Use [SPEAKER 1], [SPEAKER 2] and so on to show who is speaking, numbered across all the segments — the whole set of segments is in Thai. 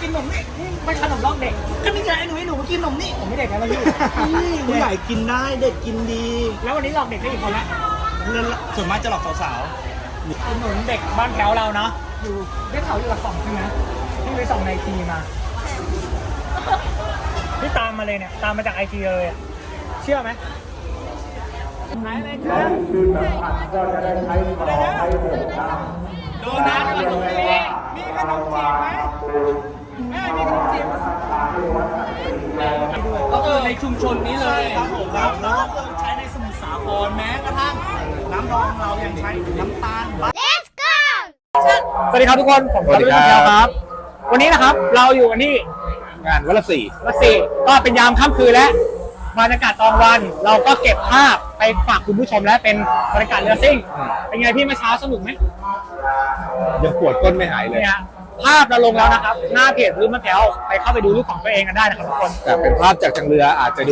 [SPEAKER 1] นนมนี่ไม่ขนมลอกเด็กก็นี่ไงไอ้หนูมากินนมนี่ผมไม่เด็กแล้วพี่
[SPEAKER 2] ผู้ใหญ่กินได้เด็กกินดี
[SPEAKER 1] แล้ววันนี้หลอกเด็กได้อีกคนละ
[SPEAKER 2] ส่วนมากจะหลอกสาว
[SPEAKER 1] ๆหนุนเด็กบ้านแถวเราเนาะอยู่ได้ข่าวอยู่ละ2ใช่ไหมที่ไปส่องในทีมาที่ตามมาเลยเนี่ยตามมาจากไอจีเลยเชื่อไหมไหนเลยครับโดนัทขนมจีบมีขนมจีบไหมแม่มีขนมจีบก็คือในชุมชนนี้เลย
[SPEAKER 2] ครับผมครับแล้วก็ใช้ในสมุทรสาครแม้กระทั่งน้ำดองเรายังใช้น้ำตาล
[SPEAKER 3] Let's go
[SPEAKER 1] สวัสดีครับทุกคนผมครับวันนี้นะครับเราอยู่กันที่
[SPEAKER 2] งานวัดสี่
[SPEAKER 1] ก็เป็นยามค่ำคืนแล้วบรรยากาศตอนวันเราก็เก็บภาพไปฝากคุณผู้ชมแล้วเป็นบรรยากาศเรือซิ่งเป็นไงพี่เมื่อเช้าสนุกไหม
[SPEAKER 2] ยังปวดก้นไม่หายเลย
[SPEAKER 1] ภาพเราลงแล้วนะครับหน้าเพจรื้อมะแถวไปเข้าไปดูรูปของตัวเองกันได้นะครับทุกคน
[SPEAKER 2] แต่เป็นภาพจากทางเรืออาจจะดู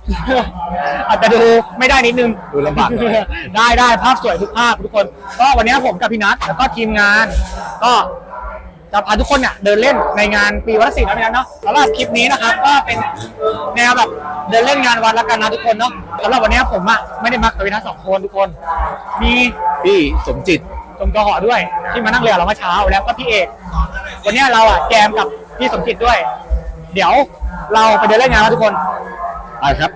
[SPEAKER 1] ไม่ได้นิดนึง
[SPEAKER 2] ดูลำบาก
[SPEAKER 1] ได้ภาพสวยทุกภาพทุกคนก็วันนี้ผมกับพี่นัทแล้วก็ทีมงานก็จะพาทุกคนเนี่ยเดินเล่นในงานปีวัดศรีนะพี่นัทเนาะสำหรับคลิปนี้นะครับก็เป็นแนวแบบเดินเล่นงานวัดแล้วกันนะทุกคนเนาะสำหรับวันนี้ผมอ่ะไม่ได้มากับพี่นัท2 คนทุกคนมี
[SPEAKER 2] พี่สมจิต
[SPEAKER 1] จมกหอด้วยที่มานั่งเรือเราเมื่อเช้าแล้วก็พี่เอกวันนี้เราอ่ะแกมกับพี่สมจิตด้วยเดี๋ยวเราไปเดินเล่นงานแล้วทุกคน
[SPEAKER 2] ไปครับ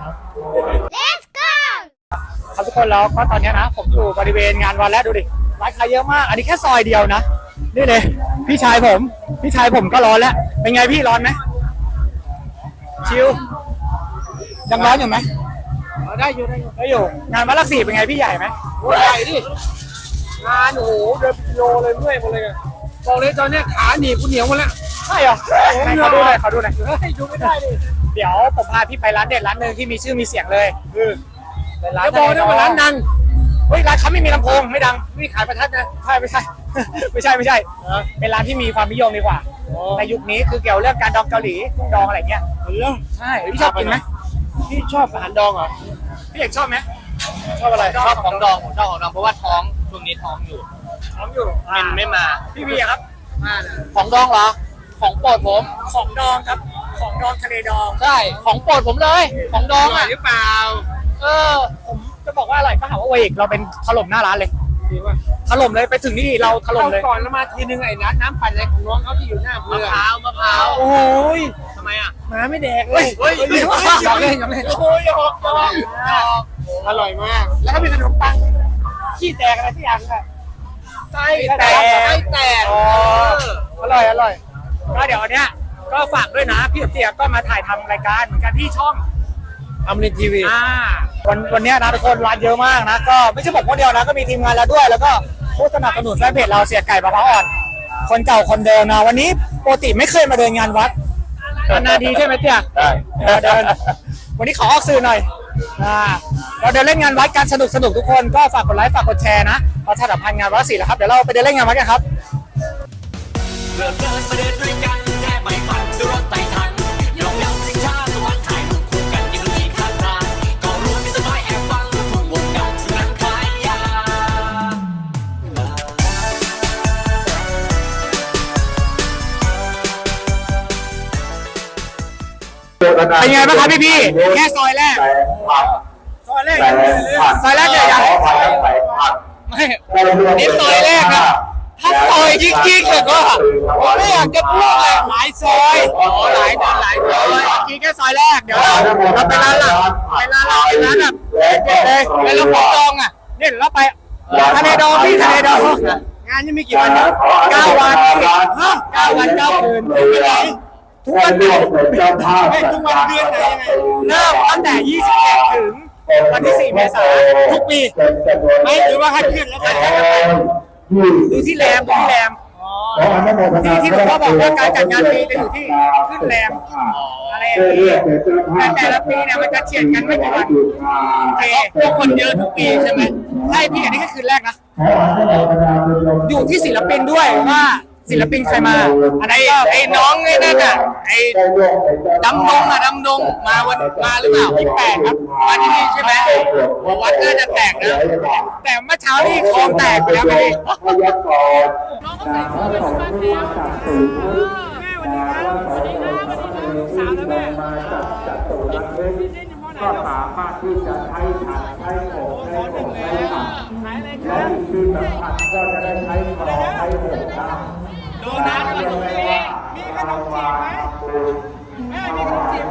[SPEAKER 3] Let's go
[SPEAKER 1] ครับทุกคนแล้วก็ตอนนี้นะผมอยู่บริเวณงานวันแล้วดูดิร้านค้าเยอะมากอันนี้แค่ซอยเดียวนะนี่เลยพี่ชายผมก็ร้อนแล้วเป็นไงพี่ร้อนไหมชิวยังร้อนอยู่ไหมได้อยู่งานวัดละ4เป็นไงพี่ใหญ่ไหมใหญ่ดิงานโอ้โหเดินกิโลเลยเมื่อยหมดเลยบอกเลยตอนนี้ขาหนีบกูเหนียวหมดแล้วใช่เหรอเขาดูหน่อยดูไม่ได้ดิเดี๋ยวผมพาพี่ไปร้านเด็ดร้านหนึ่งที่มีชื่อมีเสียงเลยคือร้านบอกได้ว่าร้านดังเฮ้ยร้านเขาไม่มีลำโพงไม่ดังไม่ขายประทัดนะใช่ไม่ใช่เป็นร้านที่มีความนิยมดีกว่าในยุคนี้คือเกี่ยวเรื่องการดองเกาหลีกุ้งดองอะไรเงี้ยใช่พี่ชอบกินไหมพี่ชอบอาหารดองเหรอพี่เอกชอบไหมชอบอะไร
[SPEAKER 4] ชอบของดองผมชอบของดองเพราะว่าท้องช่วงนี้ท้องอยู่มันไม่มา
[SPEAKER 1] พี่บีครับ
[SPEAKER 4] ของดองเหรอของโปรดผม
[SPEAKER 1] ของดองครับของดองทะเลดอง
[SPEAKER 4] ใช่ของโปรดผมเลยของดองอ่ะ
[SPEAKER 1] หรือเปล่าผมจะบอกว่าอร่อยก็หาว่าเวกเราเป็นถล่มหน้าร้านเลยถล่มเลยไปถึงนี่เราถล่มเลย
[SPEAKER 4] ก่อนแล้วมาทีนึงไอ้น้ำปั่นอะไรของน้องเขาที่อยู่หน้าเรือมะพร้าว
[SPEAKER 1] โอ้ย
[SPEAKER 4] ทำไมอ่ะ
[SPEAKER 1] มาไม่แดกเลย
[SPEAKER 4] เฮ้ย
[SPEAKER 1] ยังเล่นโอ้ยอร่อยมากแล้วก็มีขนมปังขี้แตกอะไรที่อย่างอ่ะไส้แตกอร่อยก็เดี๋ยวเนี้ยก็ฝากด้วยนะพี่เตี๋ยก็มาถ่ายทำรายการเหมือนกันที่ช่อง
[SPEAKER 4] อมรินทีวี
[SPEAKER 1] วันนี้นะทุกคนร้านเยอะมากนะก็ไม่ใช่ผมคนเดียวนะก็มีทีมงานแล้วด้วยแล้วก็ผู้สนับสนุนแฟนเพจเราเสียไก่มะพร้าวอ่อนคนเก่าคนเดิมนะวันนี้ปกติไม่เคยมาเดินงานวัดนานๆทีใช่ไหมเตี๋ยเดินวันนี้ขอออกสื่อหน่อยเราเดินเล่นงานวัดกันสนุกทุกคนก็ฝากกดไลค์ฝากกดแชร์นะประชาสัมพันธ์งานวัดศรีแล้วครับเดี๋ยวเราไปเดินเล่นงานวัดกันครับ
[SPEAKER 5] เดินมาเดินด้วยกันแค่ไม่ฝันด้วยรถไต่ทันยอมยับสิงชาสวรรค์ถ่ายรูปคู่กันยังดูดีข้างทางก็รู้มีสบายแอบฟังทุ่งวงกันนั้นขายยา
[SPEAKER 1] เป็นไงบ้างครับพี่แค่ซอยแรกเนี่ยยังไม่นี่ซอยแรกนะถ้าซอยจริงๆเลยก็ผมไม่อยากจะพูดเลยหลายซอยหลายซอยจริงแค่ซอยแรกเดี๋ยวเราไปร้านหลักเป็นร้านแบบเด็ดเลยไปแล้วของดองอ่ะเนี่ยเราไปทะเลดองพี่ทะเลดองงานยังไม่กี่วันนะ9 วัน9 วัน 9 คืนเป็นไงทุกวันเดือนไม่ทุกวันเดือนไหนยังไงเริ่มตั้งแต่27ถึงวันที่4 เมษายนทุกปีไม่หรือว่าให้เพื่อนแล้วกันดูที่แรมที่หลวงพ่อบอกว่าการจัดงานปีจะอยู่ที่ขึ้นแรมอะไรอย่างนี้แต่ละปีเนี่ยมันจะเฉียดกันไม่กี่วันโอเคพวกคนเยอะทุกปีใช่ไหมใช่พี่อันนี้ก็คืนแรกนะอยู่ที่ศิลปินด้วยว่าศิลปินใครมา
[SPEAKER 4] อันนี้ไอ้น้องไอ้นั่นอ่ะไอ้ดำดงมาหรือเปล่า
[SPEAKER 1] 28ครับ
[SPEAKER 4] มาที่นี่ใช่ไหมวัดน่าจะแตกนะ
[SPEAKER 1] แต่เมื่อเช้านี่คลองแตกไปแล้วไม่ดีน้องเขาใส่เสื้อเป็นบ้านแถว
[SPEAKER 6] มาจากจตุรทิศก็สามารถที่จะใช้ถังใช้ของใช้ของใช้ถังและอีกที่สำคัญก็จะได้ใช้ของใช้หกได้โดนัทขนมจีบมีขนมจีบไหมแม่มีขนมจีบ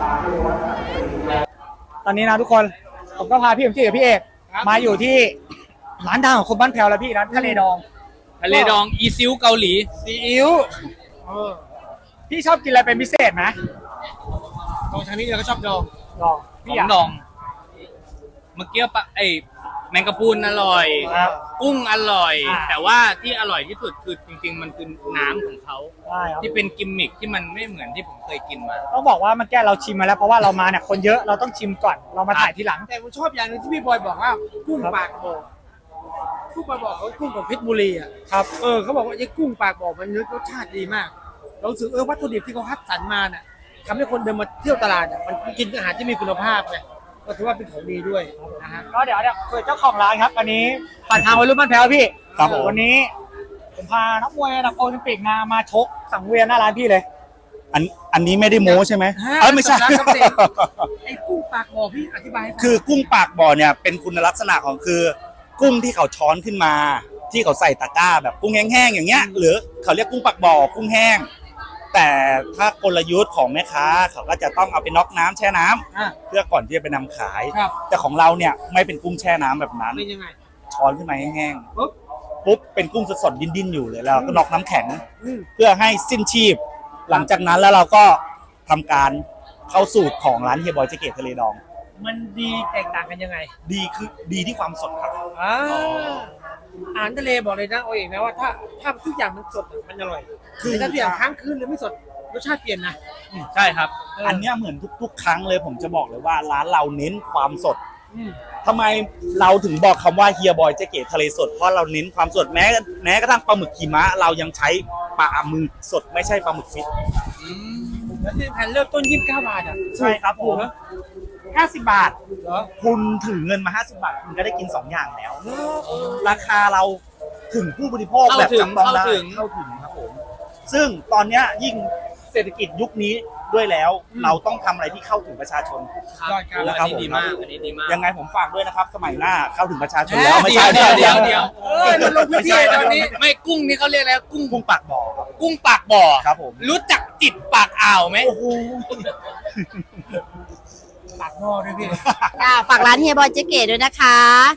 [SPEAKER 1] ตอนนี้นะทุกคนผมก็พาพี่เอ็มจีกับพี่เอกมาอยู่ที่ร้านดังของคนบ้านแพรวแล้วพี่ร้านทะเลดอง
[SPEAKER 4] ทะเลดองอีซิวเกาหลี
[SPEAKER 1] ซีอิ๊วพี่ชอบกินอะไรเป็นพิเศษไหม
[SPEAKER 2] ตรงทางนี้เราก็ชอบดอง
[SPEAKER 1] ดอง
[SPEAKER 4] ข
[SPEAKER 1] พี่
[SPEAKER 4] อง
[SPEAKER 1] อยาก
[SPEAKER 4] ดอง เมื่อกี้ปะแมงกะพรุนอร่อย
[SPEAKER 1] ครับ
[SPEAKER 4] กุ้งอร่อย
[SPEAKER 1] อ่า
[SPEAKER 4] แต่ว่าที่อร่อยที่สุดคือจริง ๆ มันคือน้ำของเขา
[SPEAKER 1] ได้ครับ
[SPEAKER 4] ที่เป็นกิมมิคที่มันไม่เหมือนที่ผมเคยกินมา
[SPEAKER 1] ต้องบอกว่าเมื่อกี้เราชิมมาแล้วเพราะว่าเรามาเนี่ยคนเยอะเราต้องชิมก่อนเรามาถ่ายทีหลัง
[SPEAKER 2] แต่ผมชอบอย่างหนึงที่พี่บอยบอกว่ากุ้งปากบ่อกุ้งปากบ่อเขากุ้งของเพชรบุรีอ่ะ
[SPEAKER 1] ครับ
[SPEAKER 2] เขาบอกว่าไอ้กุ้งปากบ่อมันรสชาติดีมากเรารู้สึกวัตถุดิบที่เขาคัดสรรมาน่ะทำให้คนเดินมาเที่ยวตลาดอ่ะมันกินอาหารที่มีคุณภาพไงก็ถือว่าเป็นของดีด้วยนะฮะ
[SPEAKER 1] ก็เดี๋ยวคุยเจ้าของร้านครับวันนี้ผ่านทางวัยรุ่นบ้านแพรวพี่
[SPEAKER 6] ครับผม
[SPEAKER 1] วันนี้ผมพานักมวยระดับโอลิมปิกมาชกสังเวียนหน้าร้านพี่เลย
[SPEAKER 6] อันนี้ไม่ได้โม้ใช่ไหมไม่ใช่
[SPEAKER 2] ร้านกาแฟไอ้กุ้งปากบ่อพี่อธิบายให้ฟัง
[SPEAKER 6] คือกุ้งปากบ่อเนี่ยเป็นคุณลักษณะของคือ กุ้งที่เขาช้อนขึ้นมา ที่เขาใส่ตะกร้าแบบกุ้งแห้งๆอย่างเงี้ยหรือเขาเรียกกุ้งปากบ่อกุ้งแห้ง แต่ถ้ากลยุทธ์ของแม่ค้าเขาก็จะต้องเอาไปน็อกน้ำแช่น้ำ
[SPEAKER 2] อ่ะ
[SPEAKER 6] เพื่อก่อนที่จะไปนำขาย
[SPEAKER 2] ครับ
[SPEAKER 6] แต่ของเราเนี่ยไม่เป็นกุ้งแช่น้ำแบบนั้น
[SPEAKER 2] เป็นยังไง
[SPEAKER 6] ช้อนขึ้นมาแห้ง
[SPEAKER 2] ปุ๊บ
[SPEAKER 6] ๆปุ๊บเป็นกุ้งสดๆดิ้นๆอยู่เลยแล้วก็น็อกน้ำแข็ง
[SPEAKER 2] อืม
[SPEAKER 6] เพื่อให้สิ้นชีพ หลังจากนั้นแล้วเราก็ทำการเข้าสูตรของร้านเฮียบอยเจเกตทะเลดอง
[SPEAKER 2] มันดีแตกต่างกันยังไง
[SPEAKER 6] ดีคือดีที่ความสดครับ
[SPEAKER 2] อาหารทะเลบอกเลยนะเอาเองนะว่าถ้าทุกอย่างมันสดอะมันอร่อย
[SPEAKER 6] คือ
[SPEAKER 2] แต่ถ้าทุกอย่างค้างคืนหรือไม่สดรสชาติเปลี่ยนนะ
[SPEAKER 4] ใช่ครับ
[SPEAKER 6] อันเนี้ยเหมือนทุกๆ ครั้งเลยผมจะบอกเลยว่าร้านเราเน้นความสด
[SPEAKER 2] อืม
[SPEAKER 6] ทำไมเราถึงบอกคำว่าเฮียบอยเจเกตทะเลสดเพราะเราเน้นความสดแม้กระทั่งปลาหมึกขีมะเรายังใช้ปลาหมึกสดไม่ใช่ปลาหมึกฟิต
[SPEAKER 2] แล้วที่แผ่นเริ่มต้น29 บาทอ่ะ
[SPEAKER 6] ใช่ครับผ
[SPEAKER 2] ถูก
[SPEAKER 6] ม
[SPEAKER 2] เหรอ
[SPEAKER 6] 50 บาท
[SPEAKER 2] เหรอ
[SPEAKER 6] คุณถือเงินมา 50 บาท คุณก็ได้กิน 2 อย่างแล้ว ราคาเราถึงผู้บริโภค
[SPEAKER 4] เข้า
[SPEAKER 6] แบบ
[SPEAKER 4] ถึง
[SPEAKER 6] จับต้องได้
[SPEAKER 4] เข้าถึง
[SPEAKER 6] เข้าถึงครับผม ซึ่งตอนเนี้ยยิ่งเศรษฐกิจยุคนี้ด้วยแล้ว เราต้องทำอะไรที่เข้าถึงประชาชน
[SPEAKER 2] ยอดครับ
[SPEAKER 6] นะครับ
[SPEAKER 4] อันนี้ดีมาก อันนี้ดีมาก
[SPEAKER 6] ยังไงผมฝากด้วยนะครับ สมัยหน้าเข้าถึงประชาชนแล้วไม่
[SPEAKER 4] เดี๋
[SPEAKER 6] ใช่
[SPEAKER 4] ยวเดี๋ยวเดี๋ยว
[SPEAKER 2] มันลงพื้นที่ตอนนี้
[SPEAKER 4] ไม่กุ้งนี่เขาเรียกแล้วกุ้ง
[SPEAKER 6] กุ้งปากบ่อครับ
[SPEAKER 4] กุ้งปากบ่อ
[SPEAKER 6] ครับผม
[SPEAKER 4] รู้จักจิตปากอ่าวไหม
[SPEAKER 6] โอ้โห
[SPEAKER 2] ปากหม้อด้วยพี่
[SPEAKER 7] ค่ะฝากร้านเฮียบอยเจ๊เก๋ด้วยนะคะ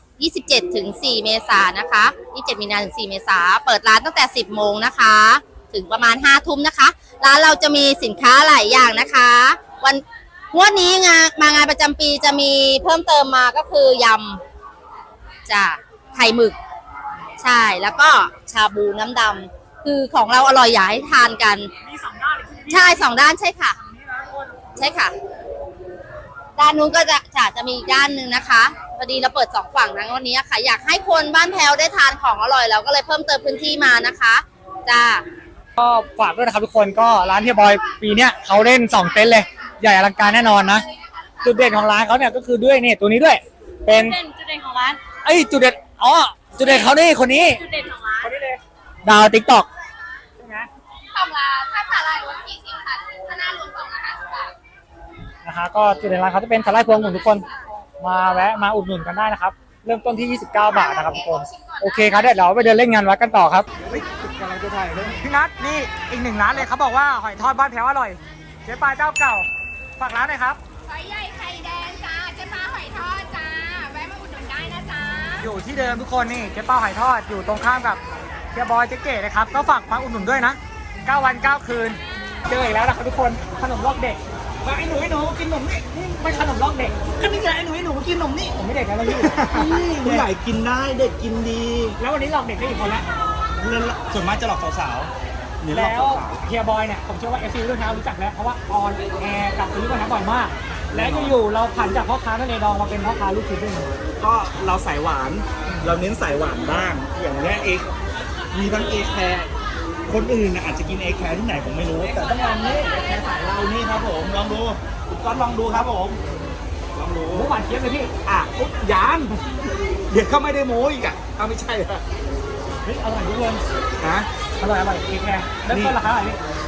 [SPEAKER 7] 27 ถึง 4 เมษายนนะคะ 27 มีนาถึง 4 เมษาเปิดร้านตั้งแต่ 10 โมงนะคะ ถึงประมาณ 5 ทุ่มนะคะ ร้านเราจะมีสินค้าหลายอย่างนะคะ งวดนี้มางานประจำปีจะมีเพิ่มเติมมาก็คือยำจ้ะไข่หมึก ใช่ แล้วก็ชาบูน้ำดำ คือของเราอร่อยอยากให้ทานกัน
[SPEAKER 1] มี2 ด้านเลย
[SPEAKER 7] ใช่ 2 ด้านใช่ค่ะ ใช่ค่ะ ด้านนู้นก็จะมีอีกด้านหนึ่งนะคะพอดีเราเปิด2 ฝั่งนะวันนี้ค่ะ อยากให้คนบ้านแพรวได้ทานของอร่อยเราก็เลยเพิ่มเติมพื้นที่มานะคะจ้า
[SPEAKER 1] ก็ฝากด้วยนะครับทุกคนก็ร้านเฮียบอยปีเนี้ยเขาเล่น2 เต็นท์เลยใหญ่อลังการแน่นอนนะจุดเด่นของร้านเขาเนี่ยก็คือด้วยนี่ตัวนี้ด้วย เป็น
[SPEAKER 7] จุดเด่นของร้าน
[SPEAKER 1] จุดเด่นจุดเด่นเขานี่คนนี้
[SPEAKER 7] จุดเด่นของร้าน
[SPEAKER 1] คนนี้เลยดาวติ๊กต็อกใช่ไหม
[SPEAKER 7] ของร้านถ้าสาหร่ายรส40ค่ะถ้าหน้ารวมกล่องละ50 บาท
[SPEAKER 1] นะคะก็จุดเด่นร้านเขาจะเป็นสาหร่ายพวงของทุกคนมาแวะมาอุดหนุนกันได้นะครับเริ่มต้นที่ 29 บาทนะครับทุกคนโอเคครับเดี๋ยวเราไปเดินเล่นงานวัดกันต่อครับกำลังจะถ่ายเลยพี่นัทนี่อีก1 ร้านเลยเขาบอกว่าหอยทอดบ้านแพ้วอร่อยเจ๊ปลาเจ้าเก่าฝากร้านหน่อยครับ
[SPEAKER 3] หอยใหญ่ไข่แดงจ้าเจ๊ปลาหอยทอดจ้า แวะมาอุดหนุนได้นะจ้า
[SPEAKER 1] อยู่ที่เดิมทุกคนนี่เจ๊เป้าหอยทอดอยู่ตรงข้ามกับเฮียบอยเจ๊เก๋นะครับก็ฝากมาอุดหนุนด้วยนะ9 วัน 9 คืนเจออีกแล้วนะครับทุกคนขนมลอกเด็กมาไอ้หนูกินขนมนี่ไม่ขนมลอกเด็ก
[SPEAKER 2] ก็นี่ไงไอ้หนูกินนมนี่
[SPEAKER 1] ผมไม่เด็กแล้วนะพี่
[SPEAKER 6] ผู้ใหญ่กินได้เด็กกินดี
[SPEAKER 1] แล้ววันนี้หลอกเด็กได้อีกคนละ
[SPEAKER 6] ส่วนมากจะหลอกสาวๆเนี่ยหลอก
[SPEAKER 1] แล้ว
[SPEAKER 6] สาว
[SPEAKER 1] เฮียบอยเนี่ยผมเชื่อว่า FC รุ่นเท้ารู้จักแล้วเพราะว่าออนแอร์กับรุ่นเท้าบ่อยมาก และอยู่ๆเราผันจากพ่อค้าทะเลดองมาเป็นพ่อค้าลูกชิ้นด้วย
[SPEAKER 6] ๆก็เราสายหวาน เราเน้นสายหวานบ้าง อย่างเงี้ยมีทั้งเอแคร์คนอื่นน่ะอาจจะกินเอแคร์ที่ไหนผมไม่รู้ แต่ต้องลองนี่เอแคร์สายเรานี่ครับผมลองดูคุณก้อนลองดูครับผมลองดู
[SPEAKER 1] หมูหวานเจี๊ยบเลยพี่
[SPEAKER 6] ปุ๊บยานเดี๋ยวเขาไม่ได้โม้อีกอ่ะเอาไม่ใช่เหรอ
[SPEAKER 1] เฮ้ยอร่อยทุกคน
[SPEAKER 6] นะ
[SPEAKER 1] อร่อยเอแคร์เริ่มต้นราคาอะไรพี่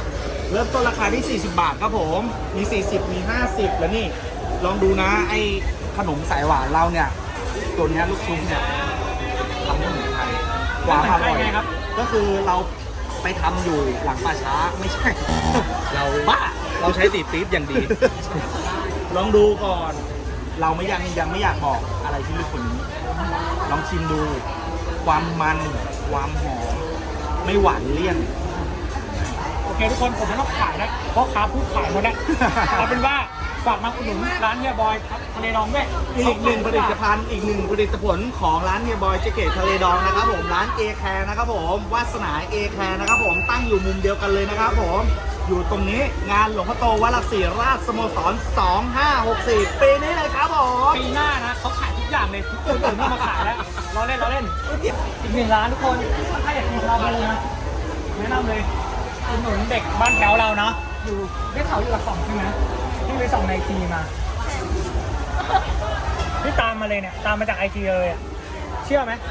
[SPEAKER 2] เริ่มต้นราคาที่ 40 บาทครับผม มี 40 มี 50 แล้วนี่ ลองดูนะ ไอ้ขนมสายหวานเราเนี่ย ตัวเนี้ยลูกชุบเนี่ยทำไม่เหมือนใครความอร่อยครับ ก็คือเราไปทำอยู่หลังป่าช้าไม่ใช่ เราบ้า
[SPEAKER 4] เราใช้ตีปี๊บอย่างดี
[SPEAKER 2] ลองดูก่อน เรายังไม่อยากบอกอะไรที่ลึกกว่านี้ ลองชิมดู ความมัน ความหอม ไม่หวานเลี่ยน
[SPEAKER 1] โอเคทุกคนผมไม่ต้องขายนะเพราะค้าพูดขายหมดแล้ว เอาเป็นว่าฝากมาอุดหนุนร้านเฮียบอยทะเลดองด้วย
[SPEAKER 2] อีกหนึ่งผลิตภัณฑ์อีกหนึ่งผลิตผลของร้านเฮียบอยเจเกตทะเลดองนะครับผมร้านเอแคร์นะครับผมวาสนาเอแคร์นะครับผมตั้งอยู่มุมเดียวกันเลยนะครับผมอยู่ตรงนี้งานหลวงพ่อโตวัดหลักสี่ราชสโมสร 2564 ปีนี้เลยครับผม
[SPEAKER 1] ปีหน้านะเขาขายทุกอย่างเลยทุกคนอื่นไม่มาขายแล้วเราเล่นอีกหนึ่งร้านทุกคนถ้าอยากกินเราเลยนะแนะนำเลยอุดหนุนเด็กบ้านแถวเราเนาะอยู่ได้เขาอยู่หลักสองใช่ไหมที่ไปส่องในทีมาที่ตามมาเลยเนี่ยตามมาจากไอทีเลยอะเชื่อไหม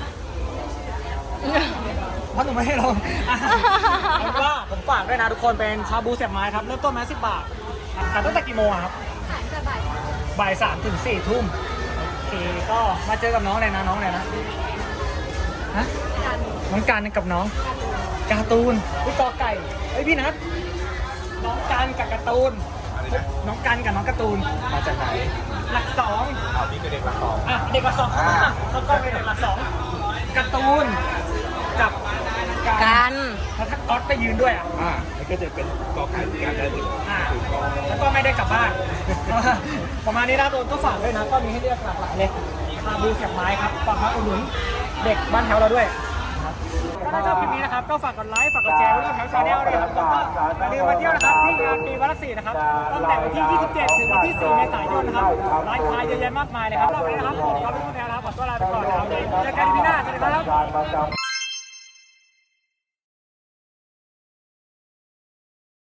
[SPEAKER 1] เพราะหนูไม่ให้ลงแล้วก็ผมฝากด้วยนะทุกคนเป็นชาบูเสียบไม้ครับเริ่มต้นมา10 บาทขายตั้งแต่กี่โมงอะครับบ่าย 3 ถึง 4 ทุ่มโอเคก็มาเจอกับน้องเลยนะน้องเลยนะฮะน้องการกับน้องการ์ตูนพี่กอไก่เฮ้ยพี่นัทน้องการกับการ์ตูนน้องกันกับน้องการ์ตูน
[SPEAKER 2] มาจากไหน
[SPEAKER 1] หลักสอง
[SPEAKER 2] พี่คือเด็กหลักสอง
[SPEAKER 1] อ่ะเด็กหลักสองแล้วก็เป็นเด็กหลักสองการ์ตูนกับ
[SPEAKER 7] กัน
[SPEAKER 1] แล้วถ้าก๊อตไปยืนด้วยอ่ะ
[SPEAKER 2] แล้วก็จะเป็นกอไก่การได้เลย
[SPEAKER 1] แล้วก็ไม่ได้กลับบ้าน ประมาณนี้นะตัวก็ฝากด้วยนะก็มีให้เลือกหลากหลายเลยชาบูเสียบไม้ครับฝากมาอุดหนุนเด็กบ้านแถวเราด้วยถ้าชอบคลิปนี้นะครับก็ฝากกดไลค์ฝากกดแชร์ไว้ด้วยครับชาแนลด้วยครับแล้วก็อย่าลืมมาเที่ยวนะครับที่งานปีวัดหลักสี่นะครับตั้งแต่วันที่ 27 ถึงวันที่ 4 เมษายนนะครับร้านค้าเยอะแยะมากมายเลยครับรอบนี้นะครับผมก็เป็นผู้แทนนะครับขอตัวลาไปก่อนนะครับเจอกันที่หน้าสวัสดีครับ